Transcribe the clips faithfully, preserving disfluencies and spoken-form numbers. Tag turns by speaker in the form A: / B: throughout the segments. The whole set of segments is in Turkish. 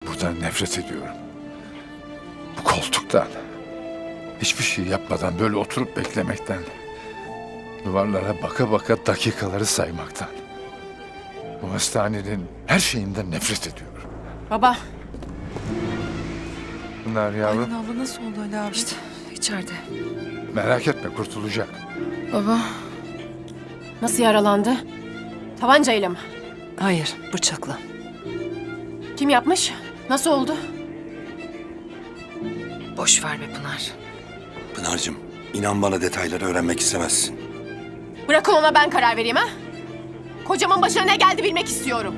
A: buradan nefret ediyorum. Bu koltuktan. Hiçbir şey yapmadan böyle oturup beklemekten. Duvarlara baka baka dakikaları saymaktan. Bu hastanenin her şeyinden nefret ediyorum.
B: Baba.
A: Bunlar yavrum.
C: Aylin abla nasıl oldu Ali abi?
B: İşte içeride.
A: Merak etme, kurtulacak.
C: Baba.
B: Nasıl yaralandı? Tabancayla mı?
C: Hayır, bıçakla.
B: Kim yapmış? Nasıl oldu?
C: Boş ver be Pınar.
D: Pınar'cığım, inan bana detayları öğrenmek istemezsin.
B: Bırakın ona ben karar vereyim ha? Kocamın başına ne geldi bilmek istiyorum.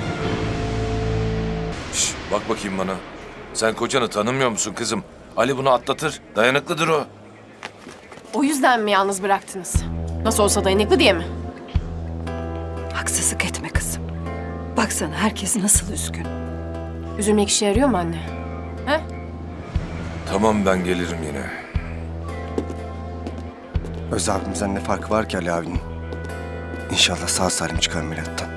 E: Şş, bak bakayım bana. Sen kocanı tanımıyor musun kızım? Ali bunu atlatır. Dayanıklıdır o.
B: O yüzden mi yalnız bıraktınız? Nasıl olsa dayanıklı diye mi?
C: Haksızlık etme kızım. Baksana herkes nasıl üzgün.
B: Üzülmek işe yarıyor mu anne? He?
E: Tamam, ben gelirim yine.
D: Öz abimizden ne farkı var ki Ali abinin? İnşallah sağ salim çıkar ameliyattan.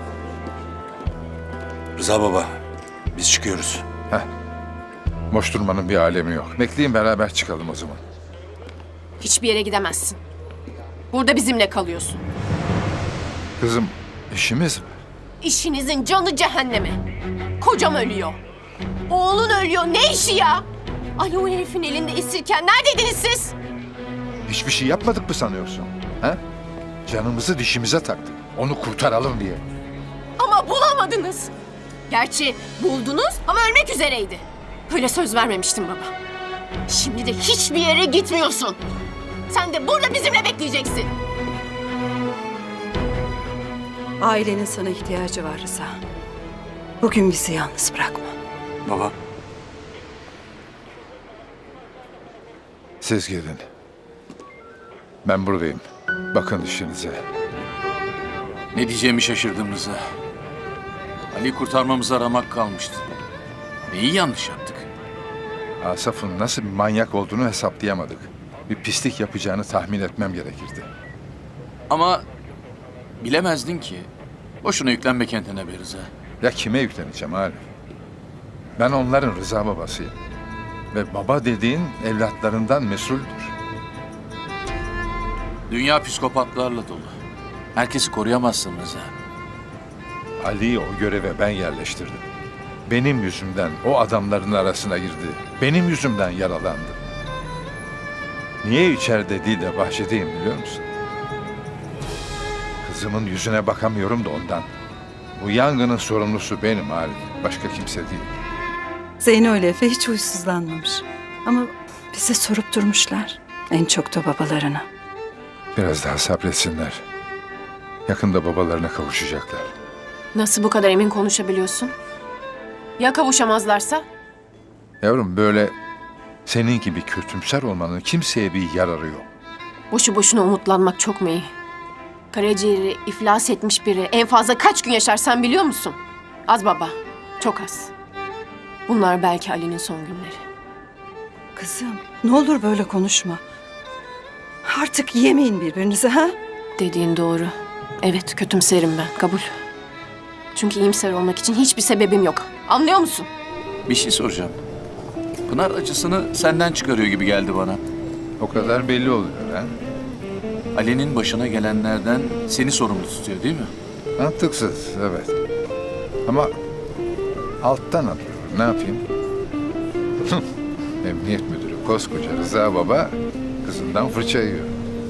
D: Rıza baba, biz çıkıyoruz.
A: Heh. Boş durmanın bir alemi yok. Bekleyin, beraber çıkalım o zaman.
B: Hiçbir yere gidemezsin. Burada bizimle kalıyorsun.
A: Kızım, işimiz mi?
B: İşinizin canı cehenneme. Kocam ölüyor. Oğlun ölüyor. Ne işi ya? Ali o herifin elinde esirken neredeydiniz siz?
A: Hiçbir şey yapmadık mı sanıyorsun? Ha? Canımızı dişimize taktık. Onu kurtaralım diye.
B: Ama bulamadınız. Gerçi buldunuz ama ölmek üzereydi. Böyle söz vermemiştim baba. Şimdi de hiçbir yere gitmiyorsun. Sen de burada bizimle bekleyeceksin.
C: Ailenin sana ihtiyacı var Rıza. Bugün bizi yalnız bırakma.
D: Baba,
A: Siz gidin. Ben buradayım. Bakın işinize.
F: Ne diyeceğimi şaşırdım Rıza. Ali'yi kurtarmamıza ramak kalmıştı. Neyi yanlış yaptık?
A: Asaf'ın nasıl bir manyak olduğunu hesaplayamadık. Bir pislik yapacağını tahmin etmem gerekirdi.
F: Ama bilemezdin ki. Boşuna yüklenme kendine be Rıza.
A: Ya kime yükleneceğim Arif? Ben onların Rıza babasıyım. Ve baba dediğin evlatlarından mesuldür.
F: Dünya psikopatlarla dolu. Herkesi koruyamazsın Rıza.
A: Ali'yi o göreve ben yerleştirdim. Benim yüzümden o adamların arasına girdi. Benim yüzümden yaralandı. Niye içeride değil de bahçedeyim biliyor musun? Kızımın yüzüne bakamıyorum da ondan. Bu yangının sorumlusu benim Arif. Başka kimse değil.
C: Zeyno ile Efe hiç huysuzlanmamış. Ama bize sorup durmuşlar. En çok da babalarına.
A: Biraz daha sabretsinler. Yakında babalarına kavuşacaklar.
B: Nasıl bu kadar emin konuşabiliyorsun? Ya kavuşamazlarsa?
A: Yavrum, böyle senin gibi kötümser olmanın kimseye bir yararı yok.
B: Boşu boşuna umutlanmak çok mu iyi? Karaciğeri iflas etmiş biri en fazla kaç gün yaşar sen biliyor musun? Az baba, çok az. Bunlar belki Ali'nin son günleri.
C: Kızım ne olur böyle konuşma. Artık yemeyin birbirinizi ha?
B: Dediğin doğru. Evet, kötümserim ben, kabul. Çünkü iyimser olmak için hiçbir sebebim yok. Anlıyor musun?
F: Bir şey soracağım. Pınar acısını senden çıkarıyor gibi geldi bana.
A: O kadar belli oluyor ha.
F: Ali'nin başına gelenlerden seni sorumlu tutuyor değil mi?
A: Mantıksız, evet. Ama alttan alıyorum. Ne yapayım? Emniyet müdürü koskoca Rıza baba kızından fırça yiyor.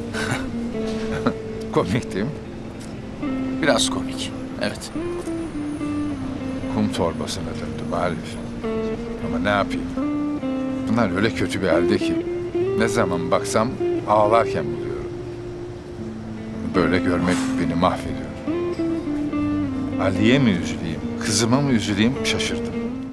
A: Komik değil mi?
F: Biraz komik. Evet.
A: Kum torbasına döndüm Arif. Ama ne yapayım? Bunlar öyle kötü bir halde ki ne zaman baksam ağlarken buluyorum. Böyle görmek beni mahvediyor. Ali'ye mi üzüleyim, kızıma mı üzüleyim şaşırdım.